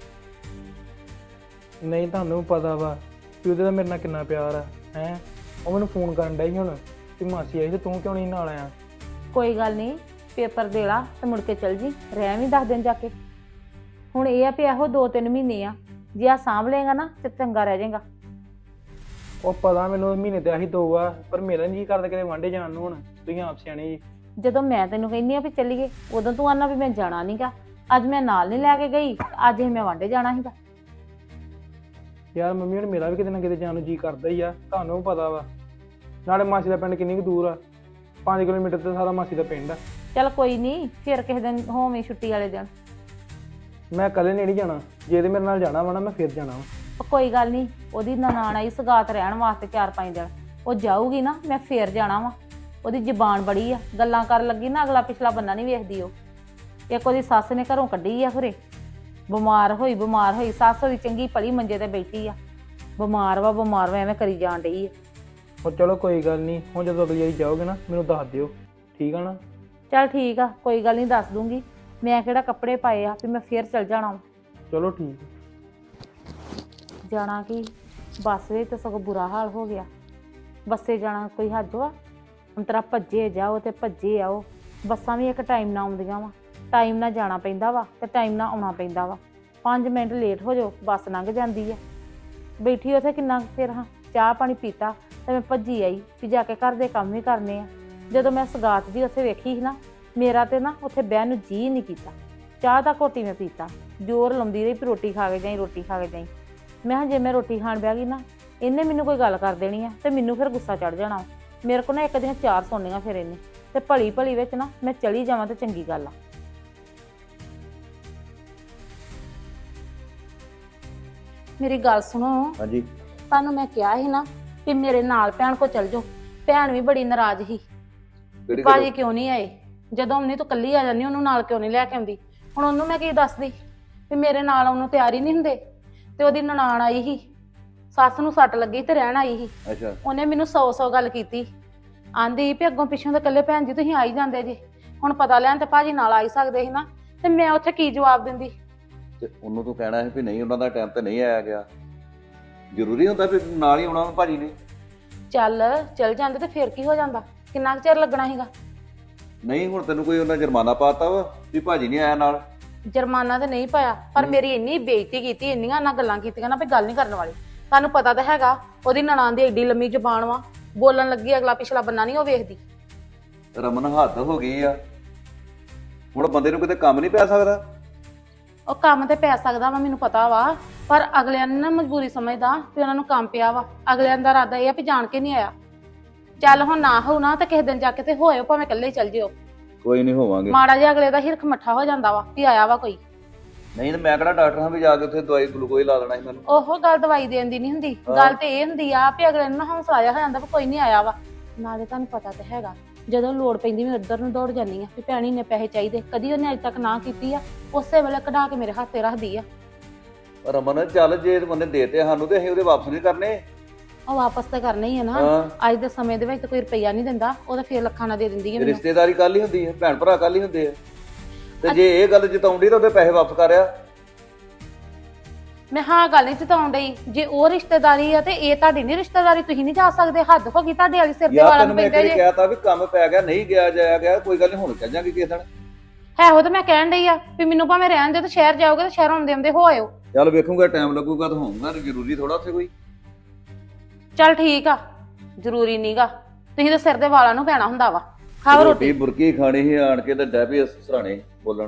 Speaker 3: ਨਹੀਂ ਤੁਹਾਨੂੰ ਪਤਾ ਵਾ ਕਿ ਉਹਦੇ ਦਾ ਮੇਰੇ ਨਾਲ ਕਿੰਨਾ ਪਿਆਰ ਆ ਹੈ। ਉਹ ਮੈਨੂੰ ਫੋਨ ਕਰਨ ਡਿਆ ਸੀ ਹੁਣ ਕਿ ਮਾਸੀ ਆਈ ਤੇ ਤੂੰ ਕਿਉਂ ਨਹੀਂ ਨਾਲ ਆਇਆ।
Speaker 1: ਕੋਈ ਗੱਲ ਨਹੀਂ, ਪੇਪਰ ਦੇ ਲਾ ਤੇ ਮੁੜ ਕੇ ਚਲ ਜੀ, ਰਹਿ ਵੀ 10 ਦਿਨ ਜਾ ਕੇ। ਹੁਣ ਇਹ ਆ ਵੀ ਇਹੋ 2-3 ਮਹੀਨੇ ਆ, ਜੇ ਆ ਸਾਂਭ ਲਏਗਾ ਨਾ ਤੇ ਚੰਗਾ ਰਹਿ ਜਾਏਗਾ।
Speaker 3: ਉਹ ਪਤਾ ਮੈਨੂੰ ਮਹੀਨੇ ਤੇ ਆਹੀ 2 ਆ, ਪਰ ਮੇਰਾ ਨਹੀਂ ਕਰਦਾ ਕਿਤੇ ਵਾਂਢੇ ਜਾਣ ਨੂੰ। ਹੁਣ ਤੁਸੀਂ ਆਪ ਸਿਆਣੇ ਜੀ।
Speaker 1: ਜਦੋਂ ਮੈਂ ਤੈਨੂੰ ਕਹਿੰਦੀ ਆ ਵੀ ਚੱਲੀਏ, ਉਦੋਂ ਤੂੰ ਆਨਾ ਵੀ ਮੈਂ ਜਾਣਾ ਨਹੀਂਗਾ। ਅੱਜ ਮੈਂ ਨਾਲ ਨਹੀਂ ਲੈ ਕੇ ਗਈ, ਅੱਜ ਇਹ ਮੈਂ ਵਾਂਢੇ ਜਾਣਾ ਸੀਗਾ।
Speaker 3: ਯਾਰ ਮੰਮੀ ਹੁਣ ਮੇਰਾ ਵੀ ਕਿਤੇ ਨਾ ਕਿਤੇ ਜਾਣ ਨੂੰ ਜੀ ਕਰਦਾ ਹੀ ਆ, ਤੁਹਾਨੂੰ ਵੀ ਪਤਾ ਵਾ। ਨਾਲੇ ਮਾਸੀ ਦਾ ਪਿੰਡ ਕਿੰਨੀ ਕੁ ਦੂਰ ਆ, 5 ਕਿਲੋਮੀਟਰ ਤੇ ਸਾਰਾ ਮਾਸੀ ਦਾ ਪਿੰਡ ਆ।
Speaker 1: ਚੱਲ ਕੋਈ ਨਹੀਂ, ਫਿਰ ਕਿਸੇ ਦਿਨ ਹੋਵੇਂ ਛੁੱਟੀ ਵਾਲੇ ਦਿਨ।
Speaker 3: ਮੈਂ ਇਕੱਲੇ ਨਹੀਂ ਜਾਣਾ, ਜੇ ਤੇ ਮੇਰੇ ਨਾਲ ਜਾਣਾ ਵਾ ਨਾ ਮੈਂ ਫਿਰ ਜਾਣਾ ਵਾ।
Speaker 1: ਉਹ ਕੋਈ ਗੱਲ ਨਹੀਂ, ਉਹਦੀ ਨਨਾਣ ਆਈ ਸਗਾਤ ਰਹਿਣ ਵਾਸਤੇ 4-5 ਦਿਨ, ਉਹ ਜਾਊਗੀ ਨਾ ਮੈਂ ਫੇਰ ਜਾਣਾ ਵਾ। ਉਹਦੀ ਜ਼ਬਾਨ ਬੜੀ ਆ, ਗੱਲਾਂ ਕਰਨ ਲੱਗੀ ਨਾ ਅਗਲਾ ਪਿਛਲਾ ਬੰਦਾ ਨਹੀਂ ਵੇਖਦੀ। ਉਹ ਇੱਕ ਉਹਦੀ ਸੱਸ ਨੇ ਘਰੋਂ ਕੱਢੀ ਆ ਖਰੇ, ਬਿਮਾਰ ਹੋਈ ਸੱਸ ਉਹਦੀ ਚੰਗੀ ਭਲੀ ਮੰਜੇ ਤੇ ਬੈਠੀ ਆ, ਬਿਮਾਰ ਵਾ ਐਵੇਂ ਕਰੀ ਜਾਣ ਡਈ ਆ।
Speaker 3: ਉਹ ਚਲੋ ਕੋਈ ਗੱਲ ਨਹੀਂ, ਹੁਣ ਜਦੋਂ ਅਗਲੀ ਵਾਰੀ ਜਾਓਗੇ ਨਾ ਮੈਨੂੰ ਦੱਸ ਦਿਓ, ਠੀਕ ਆ ਨਾ।
Speaker 1: ਚੱਲ ਠੀਕ ਆ, ਕੋਈ ਗੱਲ ਨਹੀਂ, ਦੱਸ ਦੂੰਗੀ। ਮੈਂ ਕਿਹੜਾ ਕੱਪੜੇ ਪਾਏ ਆ ਵੀ ਮੈਂ ਫੇਰ ਚਲ ਜਾਣਾ ਵਾ।
Speaker 3: ਚਲੋ ਠੀਕ।
Speaker 1: ਜਾਣਾ ਕੀ, ਬੱਸ ਵਿੱਚ ਤਾਂ ਸਗੋਂ ਬੁਰਾ ਹਾਲ ਹੋ ਗਿਆ। ਬੱਸੇ ਜਾਣਾ ਕੋਈ ਹੱਜ ਵਾ? ਅੰਤਰਾ ਭੱਜੇ ਜਾਓ ਤੇ ਭੱਜੇ ਆਓ। ਬੱਸਾਂ ਵੀ ਇੱਕ ਟਾਈਮ ਨਾਲ ਆਉਂਦੀਆਂ ਵਾ, ਟਾਈਮ ਨਾਲ ਜਾਣਾ ਪੈਂਦਾ ਵਾ ਤੇ ਟਾਈਮ ਨਾਲ ਆਉਣਾ ਪੈਂਦਾ ਵਾ। 5 ਮਿੰਟ ਲੇਟ ਹੋ ਜਾਓ ਬੱਸ ਲੰਘ ਜਾਂਦੀ ਆ। ਬੈਠੀ ਉੱਥੇ ਕਿੰਨਾ ਫਿਰ ਹਾਂ, ਚਾਹ ਪਾਣੀ ਪੀਤਾ ਤੇ ਮੈਂ ਭੱਜੀ ਆਈ ਵੀ ਜਾ ਕੇ ਘਰ ਦੇ ਕੰਮ ਵੀ ਕਰਨੇ ਆ। ਜਦੋਂ ਮੈਂ ਸਗਾਤ ਦੀ ਉੱਥੇ ਵੇਖੀ ਸੀ ਨਾ, ਮੇਰਾ ਤੇ ਨਾ ਉੱਥੇ ਬਹਿਣ ਨੂੰ ਜੀਅ ਨਹੀਂ ਕੀਤਾ। ਚਾਹ ਦਾ ਘੋਟੀ ਮੈਂ ਪੀਤਾ, ਜ਼ੋਰ ਲਾਉਂਦੀ ਰਹੀ ਵੀ ਰੋਟੀ ਖਾ ਕੇ ਜਾਈ, ਰੋਟੀ ਖਾ ਕੇ ਜਾਈ। ਮੈਂ ਕਿਹਾ ਜੇ ਮੈਂ ਰੋਟੀ ਖਾਣ ਬਹਿ ਗਈ ਨਾ, ਇਹਨੇ ਮੈਨੂੰ ਕੋਈ ਗੱਲ ਕਰ ਦੇਣੀ ਆ ਤੇ ਮੈਨੂੰ ਫਿਰ ਗੁੱਸਾ ਚੜ ਜਾਣਾ। ਮੇਰੇ ਕੋਲ ਨਾ ਇੱਕ ਦੀਆਂ 4 ਸੁਣਨੀਆਂ ਫਿਰ ਇਹਨੇ, ਤੇ ਭਲੀ ਵਿੱਚ ਨਾ ਮੈਂ ਚਲੀ ਜਾਵਾਂ ਤੇ ਚੰਗੀ ਗੱਲ ਆ। ਮੇਰੀ ਗੱਲ ਸੁਣੋ।
Speaker 2: ਹਾਂਜੀ।
Speaker 1: ਤੁਹਾਨੂੰ ਮੈਂ ਕਿਹਾ ਸੀ ਨਾ ਕਿ ਮੇਰੇ ਨਾਲ ਭੈਣ ਕੋ ਚਲ ਜਾਓ। ਭੈਣ ਵੀ ਬੜੀ ਨਾਰਾਜ਼ ਸੀ।
Speaker 4: ਕਿਹੜੀ
Speaker 5: ਭਾਜੀ
Speaker 4: ਗੱਲ?
Speaker 5: ਕਿਉਂ ਨਹੀਂ ਆਏ? ਜਦੋਂ ਉਹਨੇ ਤੂੰ ਕੱਲੀ ਆ ਜਾਂਦੀ ਉਹਨੂੰ ਨਾਲ ਕਿਉਂ ਨਹੀਂ ਲੈ ਕੇ ਆਉਂਦੀ? ਹੁਣ ਉਹਨੂੰ ਮੈਂ ਕੀ ਦੱਸਦੀ ਵੀ ਮੇਰੇ ਨਾਲ ਉਹਨੂੰ ਤਿਆਰ ਹੀ ਨਹੀਂ ਹੁੰਦੇ। ਤੇ ਉਹਦੀ ਨਨਾਣ ਆਈ ਸੀ, ਸੱਸ ਨੂੰ ਸੱਟ ਲੱਗੀ ਤੇ ਰਹਿਣ ਆਈ ਸੀ।
Speaker 4: ਅੱਛਾ
Speaker 5: ਉਹਨੇ ਮੈਨੂੰ 100 ਗੱਲ ਕੀਤੀ, ਆਂਦੀ ਵੀ ਅੱਗੋਂ ਪਿੱਛੋਂ ਤਾਂ ਇਕੱਲੇ ਭੈਣ ਜੀ ਤੁਸੀਂ ਆ ਹੀ ਜਾਂਦੇ ਜੇ, ਹੁਣ ਪਤਾ ਲੈਣ ਤੇ ਭਾਜੀ ਨਾਲ ਆ ਹੀ ਸਕਦੇ ਸੀ ਨਾ। ਤੇ ਮੈਂ ਉੱਥੇ ਕੀ ਜਵਾਬ ਦਿੰਦੀ?
Speaker 4: ਤੇ ਉਹਨੂੰ ਤੂੰ ਕਹਿਣਾ ਸੀ ਵੀ ਨਹੀਂ ਉਹਨਾਂ ਦਾ ਟਾਈਮ ਤੇ ਨਹੀਂ ਆਇਆ ਗਿਆ। ਜ਼ਰੂਰੀ ਹੁੰਦਾ ਵੀ ਨਾਲ ਹੀ ਆਉਣਾ ਭਾਜੀ ਨੇ?
Speaker 5: ਚੱਲ ਜਾਂਦੇ ਤੇ ਫਿਰ ਕੀ ਹੋ ਜਾਂਦਾ? ਕਿੰਨਾ ਕੁ ਚਿਰ ਲੱਗਣਾ ਸੀਗਾ?
Speaker 4: ਨਹੀਂ ਹੁਣ ਤੈਨੂੰ ਕੋਈ ਉਹਨਾਂ ਜੁਰਮਾਨਾ ਪਾਤਾ ਵਾ ਵੀ ਭਾਜੀ ਨਹੀਂ ਆਇਆ ਨਾਲ?
Speaker 5: ਜੁਰਮਾਨਾ ਤੇ ਨਹੀਂ ਪਾਇਆ, ਪਰ ਮੇਰੀ ਇੰਨੀ ਬੇਇੱਜ਼ਤੀ ਕੀਤੀ, ਇੰਨੀਆਂ ਨਾ ਗੱਲਾਂ ਕੀਤੀਆਂ ਨਾ ਵੀ ਗੱਲ ਨਹੀਂ ਕਰਨ ਵਾਲੀ। ਤੁਹਾਨੂੰ ਪਤਾ ਤਾਂ ਹੈਗਾ ਉਹਦੀ ਨਨਾਣ ਦੀ ਏਡੀ ਲੰਮੀ ਜ਼ੁਬਾਨ ਵਾ, ਬੋਲਣ ਲੱਗੀ ਅਗਲਾ ਪਿਛਲਾ ਬੰਨਾ ਨਹੀਂ ਉਹ ਵੇਖਦੀ।
Speaker 4: ਰਮਨ ਹੱਦ ਹੋ ਗਈ ਆ, ਹੁਣ ਬੰਦੇ ਨੂੰ ਕਿਤੇ ਕੰਮ ਨਹੀਂ ਪੈ ਸਕਦਾ?
Speaker 5: ਉਹ ਕੰਮ ਤੇ ਪੈ ਸਕਦਾ ਵਾ ਮੈਨੂੰ ਪਤਾ ਵਾ, ਪਰ ਅਗਲਿਆਂ ਨੇ ਨਾ ਮਜਬੂਰੀ ਸਮਝਦਾ ਵੀ ਉਹਨਾਂ ਨੂੰ ਕੰਮ ਪਿਆ ਵਾ। ਅਗਲਿਆਂ ਦਾ ਇਰਾਦਾ ਇਹ ਆ ਵੀ ਜਾਣ ਕੇ ਨਹੀਂ ਆਇਆ। ਚੱਲ ਹੁਣ ਨਾ ਹੋਊ ਨਾ ਤੇ ਕਿਸੇ ਦਿਨ ਜਾ ਕੇ ਤੇ ਹੋਇਓ, ਭਾਵੇਂ ਇਕੱਲੇ ਹੀ ਚੱਲ ਜਿਓ।
Speaker 4: ਕੋਈ ਨਹੀਂ ਹੋਵਾਂਗੇ।
Speaker 5: ਮਾੜਾ ਜਿਹਾ ਅਗਲੇ ਦਾ ਹਿਰਖ ਮੱਠਾ ਹੋ ਜਾਂਦਾ ਵਾ ਵੀ ਆਇਆ ਵਾ ਕੋਈ।
Speaker 4: ਨਹੀਂ ਤੇ ਮੈਂ ਕਿਹੜਾ ਡਾਕਟਰ ਹਾਂ ਵੀ ਜਾ ਕੇ ਉੱਥੇ ਦਵਾਈ ਗਲੂਕੋਜ਼ ਲਾ ਦੇਣਾ ਸੀ ਮੈਨੂੰ?
Speaker 5: ਉਹ ਗੱਲ ਦਵਾਈ ਦੇਣ ਦੀ ਨਹੀਂ ਹੁੰਦੀ, ਗੱਲ ਤੇ ਇਹ ਹੁੰਦੀ ਆ ਵੀ ਅਗਲੇ ਨੂੰ ਨਾ ਹੌਸਲਾ ਜਿਹਾ ਹੋ ਜਾਂਦਾ ਵੀ ਕੋਈ ਨਹੀਂ ਆਇਆ ਵਾ। ਨਾਲੇ ਤੁਹਾਨੂੰ ਪਤਾ ਤੇ ਹੈਗਾ ਜਦੋਂ ਲੋੜ ਪੈਂਦੀ ਮੈਂ ਉੱਧਰ ਨੂੰ ਦੌੜ ਜਾਂਦੀ ਆ ਵੀ ਭੈਣੀ ਨੇ ਪੈਸੇ ਚਾਹੀਦੇ, ਕਦੀ ਉਹਨੇ ਅਜੇ ਤੱਕ ਨਾ ਕੀਤੀ ਆ, ਉਸੇ ਵੇਲੇ ਕਢਾ ਕੇ ਮੇਰੇ ਹੱਥ ਤੇ ਰੱਖਦੀ ਆ।
Speaker 4: ਰਮਨ ਚੱਲ ਜੇ ਬੰਦੇ ਦੇਤੇ ਸਾਨੂੰ ਤੇ ਅਸੀਂ ਉਹਦੇ ਵਾਪਸ ਨਹੀਂ ਕਰਨੇ।
Speaker 5: ਉਹ ਵਾਪਸ ਤਾਂ ਕਰਨਾ ਹੀ ਆ ਨਾ।
Speaker 4: ਹਾਂ
Speaker 5: ਅੱਜ ਦੇ ਸਮੇਂ ਦੇ ਵਿੱਚ ਤਾਂ ਕੋਈ ਰੁਪਈਆ ਨਹੀਂ ਦਿੰਦਾ, ਉਹ ਤਾਂ ਫੇਰ ਲੱਖਾਂ ਨਾਲ ਦੇ ਦਿੰਦੀ ਹੈ ਮੈਨੂੰ।
Speaker 4: ਰਿਸ਼ਤੇਦਾਰੀ ਕੱਲ ਹੀ ਹੁੰਦੀ ਹੈ, ਭੈਣ ਭਰਾ ਕੱਲ ਹੀ ਹੁੰਦੇ ਆ। ਤੇ ਜੇ ਇਹ ਗੱਲ ਜਤਾਉਂਦੀ ਤਾਂ ਉਹਦੇ ਪੈਸੇ ਵਾਪਸ ਕਰਿਆ।
Speaker 5: ਮੈਂ ਹਾਂ ਗੱਲ ਨਹੀਂ ਚਤਾਉਣ ਡਈ, ਜੇ ਉਹ ਰਿਸ਼ਤੇਦਾਰੀ ਆ ਤੇ ਇਹ ਤੁਹਾਡੀ ਨਹੀਂ ਰਿਸ਼ਤੇਦਾਰੀ, ਤੁਸੀਂ ਨਹੀਂ ਜਾ ਸਕਦੇ। ਹੱਦ ਹੋ ਗਈ ਤੁਹਾਡੇ ਵਾਲੀ, ਸਿਰ ਦੇ
Speaker 4: ਯਾਰ
Speaker 5: ਵਾਲਾਂ
Speaker 4: ਤੈਨੂੰ
Speaker 5: ਨੂੰ
Speaker 4: ਮੈਂ ਇੱਕ
Speaker 5: ਪੈਂਦੇ
Speaker 4: ਵਾਰੀ
Speaker 5: ਜੇ।
Speaker 4: ਕਿਹਾ ਤਾਂ ਵੀ ਕੰਮ ਪੈ ਗਿਆ, ਨਹੀਂ ਗਿਆ ਜਾਇਆ ਗਿਆ, ਕੋਈ ਗੱਲ ਨਹੀਂ ਹੁਣ ਚੱਲ ਜਾਂਗੇ ਕਿਸੇ ਦਿਨ।
Speaker 5: ਹੈ ਉਹ ਤਾਂ ਮੈਂ ਕਹਿਣ ਡਈ ਆ ਵੀ ਮੈਨੂੰ ਭਾਵੇਂ ਰਹਿਣ ਦਿਓ ਤੇ ਸ਼ਹਿਰ ਜਾਓਗੇ ਤੇ ਸ਼ਹਿਰੋਂ ਆਉਂਦੇ ਆਉਂਦੇ ਹੋ ਆਇਓ।
Speaker 4: ਚੱਲ ਵੇਖੂਗਾ ਟਾਈਮ ਲੱਗੂਗਾ ਤਾਂ ਹੋਊਗਾ, ਜ਼ਰੂਰੀ ਥੋੜਾ ਉੱਥੇ ਕੋਈ।
Speaker 5: ਚੱਲ ਠੀਕ ਆ, ਜ਼ਰੂਰੀ ਨਹੀਂਗਾ, ਤੁਸੀਂ ਤਾਂ ਸਿਰ ਦੇ ਵਾਲਾਂ ਨੂੰ ਪੈਣਾ ਹੁੰਦਾ ਵਾ। ਖਾਓ ਰੋਟੀ।
Speaker 4: ਬੁਰਕੀ ਖਾਣੀ ਸੀ ਆਣ ਕੇ ਤੇ ਡੈਪੀ ਸਰਾਣੇ ਬੋਲਣ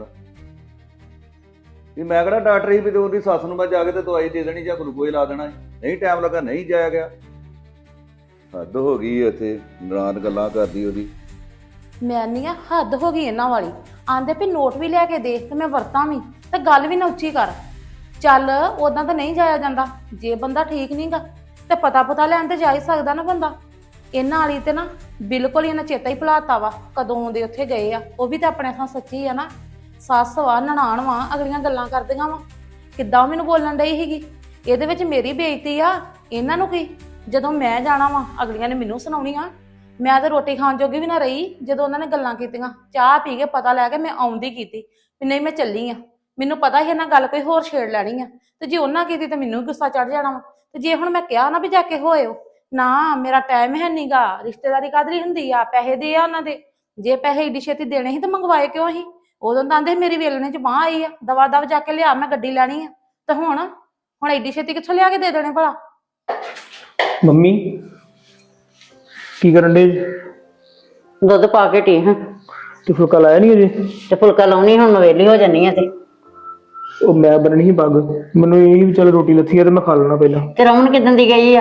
Speaker 4: ਵੀ ਮੈਂ ਕਿਹੜਾ ਡਾਕਟਰ ਸੀ ਵੀ ਤੇ ਉਹਦੀ ਸੱਸ ਨੂੰ ਮੈਂ ਜਾ ਕੇ ਤੇ ਦਵਾਈ ਦੇ ਦੇਣੀ ਜਾਂ ਗਲੂਕੋਜ਼ ਲਾ ਦੇਣਾ। ਨਹੀਂ ਟਾਈਮ ਲੱਗਾ, ਨਹੀਂ ਜਾਇਆ ਗਿਆ। ਹੱਦ ਹੋ ਗਈ ਉੱਥੇ ਨਰਾਨ ਗੱਲਾਂ ਕਰਦੀ ਉਹਦੀ।
Speaker 5: ਮੈਂ ਨਹੀਂ ਆ, ਹੱਦ ਹੋ ਗਈ ਇਹਨਾਂ ਵਾਲੀ। ਆਂਦੇ ਵੀ ਨੋਟ ਵੀ ਲੈ ਕੇ ਦੇ ਤੇ ਮੈਂ ਵਰਤਾਂ ਵੀ, ਤੇ ਗੱਲ ਵੀ ਨਾ ਉੱਚੀ ਕਰ। ਚੱਲ ਉਦਾਂ ਤਾਂ ਨਹੀਂ ਜਾਇਆ ਜਾਂਦਾ, ਜੇ ਬੰਦਾ ਠੀਕ ਨਹੀਂਗਾ ਤੇ ਪਤਾ ਲੈਣ ਤੇ ਜਾ ਹੀ ਸਕਦਾ ਨਾ ਬੰਦਾ। ਇਹਨਾਂ ਵਾਲੀ ਤੇ ਨਾ ਬਿਲਕੁਲ ਹੀ ਇਹਨਾਂ ਚੇਤਾ ਹੀ ਭੁਲਾਤਾ ਵਾ ਕਦੋਂ ਦੇ ਉੱਥੇ ਗਏ ਆ। ਉਹ ਵੀ ਤਾਂ ਆਪਣੇ ਥਾਂ ਸੱਚੀ ਆ ਨਾ, ਸੱਸ ਵਾ ਨਨਾਣ ਵਾ, ਅਗਲੀਆਂ ਗੱਲਾਂ ਕਰਦੀਆਂ ਵਾ। ਕਿੱਦਾਂ ਮੈਨੂੰ ਬੋਲਣ ਡਈ ਸੀਗੀ, ਇਹਦੇ ਵਿੱਚ ਮੇਰੀ ਬੇਇੱਜ਼ਤੀ ਆ, ਇਹਨਾਂ ਨੂੰ ਕੀ? ਜਦੋਂ ਮੈਂ ਜਾਣਾ ਵਾ ਅਗਲੀਆਂ ਨੇ ਮੈਨੂੰ ਸੁਣਾਉਣੀ ਆ। ਮੈਂ ਤਾਂ ਰੋਟੀ ਖਾਣ ਜੋਗੀ ਵੀ ਨਾ ਰਹੀ ਜਦੋਂ ਉਹਨਾਂ ਨੇ ਗੱਲਾਂ ਕੀਤੀਆਂ। ਚਾਹ ਪੀ ਕੇ ਪਤਾ ਲੈ ਕੇ ਮੈਂ ਆਉਂਦੀ ਕੀਤੀ ਵੀ ਨਹੀਂ ਮੈਂ ਚੱਲੀ ਆ। ਮੈਨੂੰ ਪਤਾ ਸੀ ਇਹਨਾਂ ਗੱਲ ਕੋਈ ਹੋਰ ਛੇੜ ਲੈਣੀ ਆ, ਤੇ ਜੇ ਉਹਨਾਂ ਕੀਤੀ ਤੇ ਮੈਨੂੰ ਵੀ ਗੁੱਸਾ ਚੜ ਜਾਣਾ ਵਾ। ਤੇ ਜੇ ਹੁਣ ਮੈਂ ਕਿਹਾ ਨਾ ਵੀ ਜਾ ਕੇ ਹੋਇਓ, ਨਾ ਮੇਰਾ ਟਾਈਮ ਹੈ ਨੀਗਾ। ਰਿਸ਼ਤੇਦਾਰੀ ਕਾਦਰੀ ਹੁੰਦੀ ਆ, ਪੈਸੇ ਦੇ ਆ ਉਹਨਾਂ ਦੇ। ਜੇ ਪੈਸੇ ਏਡੀ ਛੇਤੀ ਦੇਣੇ ਸੀ ਤਾਂ ਮੰਗਵਾਏ ਕਿਉਂ ਸੀ? ਉਦੋਂ ਤਾਂ ਆਂਦੇ ਮੇਰੀ ਵੇਲਣੇ ਚ ਬਾਂਹ ਆਈ ਆ, ਦਵਾ ਦਵ ਜਾ ਕੇ ਲਿਆ, ਮੈਂ ਗੱਡੀ ਲੈਣੀ ਆ। ਤੇ ਹੁਣ ਏਡੀ ਛੇਤੀ ਕਿੱਥੋਂ ਲਿਆ ਕੇ ਦੇ ਦੇਣੇ ਭਲਾ?
Speaker 3: ਮੰਮੀ ਕੀ ਕਰਨ ਦੇ?
Speaker 6: ਦੁੱਧ ਪਾ ਕੇ ਟੀ ਹਾਂ
Speaker 3: ਤੇ ਫੁਲਕਾ ਲਾਇਆ ਨਹੀਂ ਅਜੇ?
Speaker 6: ਤੇ ਫੁਲਕਾ ਲਾਉਣੀ, ਹੁਣ ਮੈਂ ਵਿਹਲੀ ਹੋ ਜਾਨੀ ਆ। ਤੇ
Speaker 3: ਉਹ ਮੈਂ ਬੰਨਣੀ ਸੀ ਪੱਗ, ਮੈਨੂੰ ਇਹ ਵੀ ਚੱਲ ਰੋਟੀ ਲੱਥੀ ਆ ਤੇ ਮੈਂ ਖਾ ਲੈਣਾ ਪਹਿਲਾਂ।
Speaker 6: ਤੇ ਰਮਨ ਕਿੱਦਣ ਦੀ ਗਈ ਆ?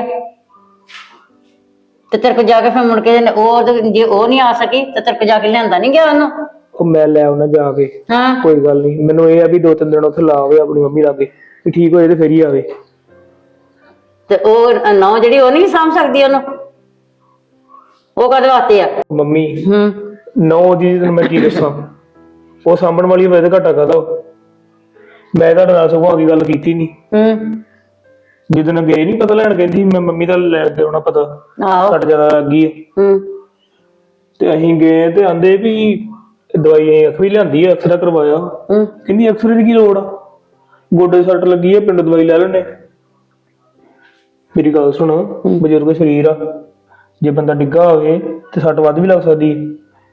Speaker 6: ਤੇ ਤੇਰੇ ਕੋ ਜਾ ਕੇ ਫਿਰ ਮੁੜ ਕੇ ਜੇ ਉਹ ਨਹੀਂ ਆ ਸਕੀ ਤੇ ਤੇਰੇ ਕੋ ਜਾ ਕੇ ਲਿਆਂਦਾ ਨਹੀਂ ਗਿਆ ਉਹਨੂੰ?
Speaker 3: ਉਹ ਮੈਂ ਲੈ ਆਉਣਾ ਜਾ ਕੇ,
Speaker 6: ਹਾਂ
Speaker 3: ਕੋਈ ਗੱਲ ਨਹੀਂ। ਮੈਨੂੰ ਇਹ ਆ ਵੀ 2-3 ਦਿਨ ਉੱਥੇ ਲਾ ਆਵੇ ਆਪਣੀ ਮੰਮੀ ਲਾਗੇ, ਵੀ ਠੀਕ ਹੋਏ ਤੇ ਫਿਰ ਹੀ ਆਵੇ।
Speaker 6: ਤੇ ਉਹ ਨੌ ਜਿਹੜੀ ਉਹ ਨਹੀਂ ਸਾਂਭ ਸਕਦੀ ਉਹਨੂੰ? ਉਹ ਕਦੇ ਵਾਸਤੇ ਆ
Speaker 3: ਮੰਮੀ
Speaker 6: ਹੂੰ?
Speaker 3: ਨੌ ਦੀ ਤੈਨੂੰ ਮੈਂ ਕੀ ਦੱਸਾਂ, ਉਹ ਸਾਂਭਣ ਵਾਲੀ ਮੇਰੇ ਤੇ ਘਾਟਾ ਕਾਹਦਾ। ਮੈਂ ਤੁਹਾਡੇ ਨਾਲ ਸਗੋਂ ਆ ਕੇ ਗੱਲ ਕੀਤੀ ਨਹੀਂ।
Speaker 6: ਹੂੰ
Speaker 3: ਜਿੱਦਣ ਗਏ ਨਹੀਂ ਪਤਾ ਲੈਣ, ਕਹਿੰਦੀ ਮੈਂ ਮੰਮੀ ਦਾ ਲੈ ਕੇ ਆਉਣਾ ਪਤਾ,
Speaker 6: ਆਹੋ
Speaker 3: ਘੱਟ ਜ਼ਿਆਦਾ ਲੱਗ ਗਈ।
Speaker 6: ਹੂੰ
Speaker 3: ਤੇ ਅਸੀਂ ਗਏ ਤੇ ਆਂਦੇ ਵੀ ਦਵਾਈ ਅੱਖ ਵੀ ਲਿਆਂਦੀ ਆ, ਐਕਸਰਾ ਕਰਵਾਇਆ।
Speaker 6: ਹੂੰ
Speaker 3: ਕਹਿੰਦੀ ਐਕਸਰੇ ਦੀ ਕੀ ਲੋੜ ਆ, ਗੋਡੇ ਸੱਟ ਲੱਗੀ ਆ, ਪਿੰਡ ਦਵਾਈ ਲੈ ਲੈਣੇ। ਮੇਰੀ ਗੱਲ ਸੁਣ, ਬਜ਼ੁਰਗ ਸਰੀਰ ਆ, ਜੇ ਬੰਦਾ ਡਿੱਗਾ ਹੋਵੇ ਤੇ ਸੱਟ ਵੱਧ ਵੀ ਲੱਗ ਸਕਦੀ ਹੈ।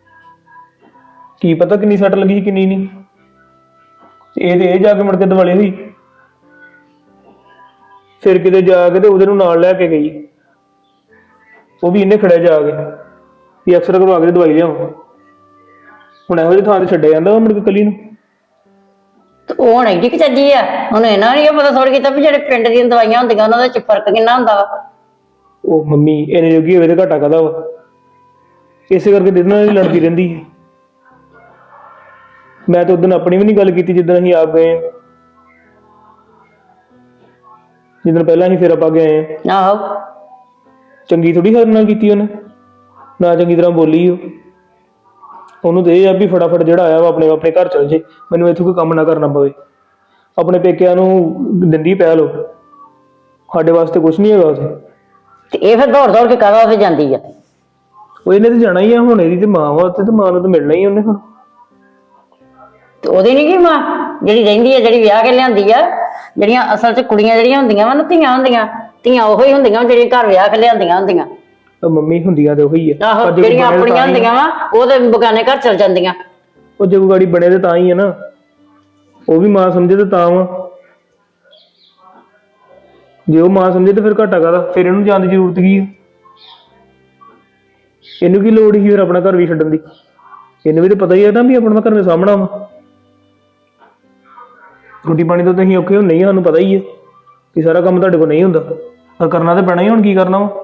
Speaker 3: ਕੀ ਪਤਾ ਕਿੰਨੀ ਸੱਟ ਲੱਗੀ ਕਿੰਨੀ ਨਹੀਂ। ਇਹ ਜਾ ਕੇ ਮੁੜ ਕੇ ਦਿਵਾਲੀ ਹੋਈ, ਫਿਰ ਕਿਤੇ ਜਾ ਕੇ ਤੇ ਉਹਦੇ ਨੂੰ ਨਾਲ ਲੈ ਕੇ ਗਈ। ਉਹ ਵੀ ਇਹਨੇ ਖੜਿਆ ਜਾ ਕੇ ਵੀ ਐਕਸਰਾ ਕਰਵਾ ਕੇ ਦਵਾਈ ਲਿਆਓ। ਹੁਣ ਇਹੋ ਜਿਹੀ ਥਾਂ ਤੇ ਛੱਡਿਆ ਜਾਂਦਾ ਮੁੜ ਕੇ ਕੱਲੀ ਨੂੰ।
Speaker 6: ਤੇ ਉਹ ਹੁਣ ਐਡੀ ਕਿ ਚੱਜੀ ਆ, ਉਹਨੂੰ ਇਹਨਾਂ ਨਹੀਂ ਪਤਾ ਥੋੜੀ ਕੀਤਾ ਵੀ ਜਿਹੜੇ ਪਿੰਡ ਦੀਆਂ ਦਵਾਈਆਂ ਹੁੰਦੀਆਂ ਉਹਨਾਂ ਦਾ ਫਰਕ ਕਿੰਨਾ ਹੁੰਦਾ ਵਾ।
Speaker 3: ਉਹ ਮੰਮੀ ਇਹਨੇ ਜੋਗੀ ਹੋਵੇ ਤੇ ਘਾਟਾ ਕਾਹਦਾ ਵਾ, ਇਸੇ ਕਰਕੇ ਦਿਨ ਨਾਲ ਲੜਦੀ ਰਹਿੰਦੀ ਹੈ। ਮੈਂ ਤਾਂ ਉਦੋਂ ਆਪਣੀ ਵੀ ਨਹੀਂ ਗੱਲ ਕੀਤੀ ਜਿੱਦਣ ਅਸੀਂ ਆਪ ਗਏ, ਜਿੱਦਣ ਪਹਿਲਾਂ ਅਸੀਂ ਫਿਰ ਆਪਾਂ ਗਏ।
Speaker 6: ਆਹੋ
Speaker 3: ਚੰਗੀ ਥੋੜੀ ਸਾਡੇ ਨਾਲ ਕੀਤੀ ਉਹਨੇ, ਨਾ ਚੰਗੀ ਤਰ੍ਹਾਂ ਬੋਲੀ ਉਹ। ਉਹਨੂੰ ਤੇ ਇਹ ਆ ਵੀ ਫਟਾਫਟ ਜਿਹੜਾ ਆਇਆ ਵਾ ਆਪਣੇ ਆਪਣੇ ਘਰ ਚਲ ਜੇ, ਮੈਨੂੰ ਇੱਥੇ ਕੋਈ ਕੰਮ ਨਾ ਕਰਨਾ ਪਵੇ। ਆਪਣੇ ਪੇਕਿਆਂ ਨੂੰ ਦਿੰਦੀ ਪਹਿਲ ਉਹ, ਸਾਡੇ ਵਾਸਤੇ ਕੁਝ ਨਹੀਂ ਹੈਗਾ ਉੱਥੇ।
Speaker 6: ਤੇ ਇਹ ਫਿਰ ਦੌੜ ਦੌੜ ਕੇ ਕਾਹਦਾ ਉੱਥੇ ਜਾਂਦੀ ਆ?
Speaker 3: ਉਹ ਇਹਨੇ ਤੇ ਜਾਣਾ ਹੀ ਆ, ਹੁਣ ਇਹਦੀ ਤੇ ਮਾਂ ਵਾ ਉੱਥੇ, ਤੇ ਮਾਂ ਨੂੰ ਤਾਂ ਮਿਲਣਾ ਹੀ ਉਹਨੇ ਹੁਣ।
Speaker 6: ਤੇ ਉਹਦੀ ਨਹੀਂ ਕੀ ਮਾਂ ਜਿਹੜੀ ਰਹਿੰਦੀ ਆ, ਜਿਹੜੀ ਵਿਆਹ ਕੇ ਲਿਆਂਦੀ ਆ? ਜਿਹੜੀਆਂ ਅਸਲ 'ਚ ਕੁੜੀਆਂ ਜਿਹੜੀਆਂ ਹੁੰਦੀਆਂ ਵਾ ਨਾ, ਧੀਆਂ ਹੁੰਦੀਆਂ, ਧੀਆਂ ਉਹੋ ਹੀ ਹੁੰਦੀਆਂ ਜਿਹੜੀਆਂ ਘਰ ਵਿਆਹ ਕੇ ਲਿਆਂਦੀਆਂ ਹੁੰਦੀਆਂ।
Speaker 3: ਉਹ ਮੰਮੀ ਹੁੰਦੀਆਂ ਤੇ ਉਹੀ ਆ।
Speaker 6: ਆਹੋ,
Speaker 3: ਪਰ ਜੇ
Speaker 6: ਜਿਹੜੀਆਂ
Speaker 3: ਬਣੇ ਤਾਂ
Speaker 6: ਆਪਣੀਆਂ
Speaker 3: ਹੀ-
Speaker 6: ਹੁੰਦੀਆਂ ਵਾ ਉਹ ਤੇ ਬਗਾਨੇ ਘਰ ਚਲ ਜਾਂਦੀਆਂ।
Speaker 3: ਉਹ ਜੇ ਕੋਈ ਗਾੜੀ ਬਣੇ ਤੇ ਤਾਂ ਹੀ ਆ ਨਾ, ਉਹ ਵੀ ਮਾਂ ਸਮਝੇ ਤੇ ਤਾਂ ਵਾ। ਜੇ ਉਹ ਮਾਂ ਸਮਝੇ ਤੇ ਫਿਰ ਘਾਟਾ ਕਾਹਦਾ? ਫਿਰ ਇਹਨੂੰ ਜਾਣ ਦੀ ਜ਼ਰੂਰਤ ਕੀ ਆ? ਇਹਨੂੰ ਕੀ ਲੋੜ ਸੀ ਫਿਰ ਆਪਣਾ ਘਰ ਵੀ ਛੱਡਣ ਦੀ? ਇਹਨੂੰ ਵੀ ਤਾਂ ਪਤਾ ਹੀ ਆ ਨਾ ਵੀ ਆਪਣਾ ਘਰ ਦੇ ਸਾਹਮਣਾ ਵਾ। ਰੋਟੀ ਪਾਣੀ ਤੋਂ ਤੁਸੀਂ ਔਖੇ ਹੁੰਦੇ ਹੀ ਆ, ਸਾਨੂੰ ਪਤਾ ਹੀ ਹੈ ਕਿ ਸਾਰਾ ਕੰਮ ਤੁਹਾਡੇ ਕੋਲ ਨਹੀਂ ਹੁੰਦਾ, ਪਰ ਕਰਨਾ ਤਾਂ ਪੈਣਾ ਹੀ। ਹੁਣ ਕੀ ਕਰਨਾ ਵਾ?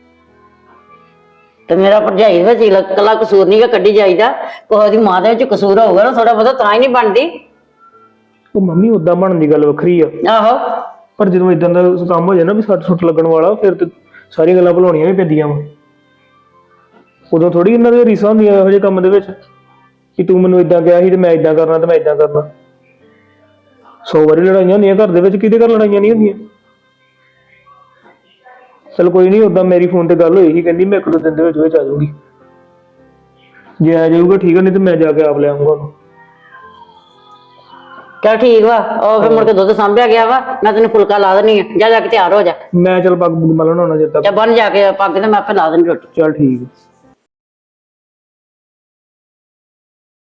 Speaker 6: ਤੇ ਮੇਰਾ ਭਰਜਾਈ ਵਿੱਚ ਇਕੱਲਾ ਕਸੂਰ ਨਹੀਂ ਗਾ ਕੱਢੀ ਜਾਈਦਾ, ਕੋਈ ਦੀ ਮਾਂ ਦੇ ਵਿੱਚ ਕਸੂਰ ਹੋਊਗਾ ਨਾ ਥੋੜਾ ਬਹੁਤਾ, ਤਾਂ ਹੀ ਨਹੀਂ ਬਣਦੀ।
Speaker 3: ਉਹ ਮੰਮੀ ਉਦਾਂ ਬਣਨ ਦੀ ਗੱਲ ਵੱਖਰੀ ਆ,
Speaker 6: ਆਹੋ,
Speaker 3: ਪਰ ਜਦੋਂ ਇਦਾਂ ਦਾ ਕੰਮ ਹੋ ਜਾਏ ਨਾ ਵੀ ਸੱਟ ਸੁੱਟ ਲੱਗਣ ਵਾਲਾ, ਫਿਰ ਤੇ ਸਾਰੀਆਂ ਗੱਲਾਂ ਭੁਲਾਉਣੀਆਂ ਵੀ ਪੈਂਦੀਆਂ ਵਾ। ਉਦੋਂ ਥੋੜੀ ਇਹਨਾਂ ਦੀਆਂ ਰੀਸਾਂ ਹੁੰਦੀਆਂ ਇਹੋ ਜਿਹੇ ਕੰਮ ਦੇ ਵਿੱਚ ਕਿ ਤੂੰ ਮੈਨੂੰ ਇਦਾਂ ਕਿਹਾ ਸੀ ਤੇ ਮੈਂ ਇਦਾਂ ਕਰਨਾ ਤੇ ਮੈਂ ਇਦਾਂ ਕਰਨਾ। 100 ਵਾਰੀ ਲੜਾਈਆਂ ਹੁੰਦੀਆਂ ਘਰ ਦੇ ਵਿੱਚ, ਕਿਹਦੇ ਘਰ ਲੜਾਈਆਂ ਨਹੀਂ ਹੁੰਦੀਆਂ। ਚਲ ਕੋਈ ਨਹੀਂ, ਉਦਾਂ ਮੇਰੀ ਫੋਨ ਤੇ ਗੱਲ ਹੋਈ ਸੀ, ਕਹਿੰਦੀ ਮੈਂ 1-2 ਦਿਨ ਦੇ ਵਿੱਚ ਆ ਜਾਊਗੀ। ਜੇ ਆ ਜਾਊਗਾ ਠੀਕ ਆ, ਨਹੀਂ ਤੇ ਮੈਂ ਜਾ ਕੇ ਆਪ ਲੈ ਆਊਂਗਾ ਉਹਨੂੰ।
Speaker 6: ਚੱਲ ਠੀਕ ਵਾ। ਉਹ ਫਿਰ ਮੁੜ ਕੇ ਦੁੱਧ ਸਾਂਭਿਆ ਗਿਆ ਵਾ, ਮੈਂ ਤੈਨੂੰ ਫੁਲਕਾ ਲਾ ਦੇਣੀ ਆ, ਜਾ ਜਾ ਕੇ ਤਿਆਰ ਹੋ ਜਾ।
Speaker 3: ਮੈਂ ਚੱਲ ਪੱਗ ਪੁੱਗ ਮਲਣ ਹੋਣਾ ਜਦ ਤੱਕ।
Speaker 6: ਜਾਂ ਬੰਨ ਜਾ ਕੇ ਪੱਗ ਤੇ ਮੈਂ ਆਪੇ ਲਾ ਦੇਣੀ ਰੋਟੀ।
Speaker 3: ਚੱਲ ਠੀਕ ਆ।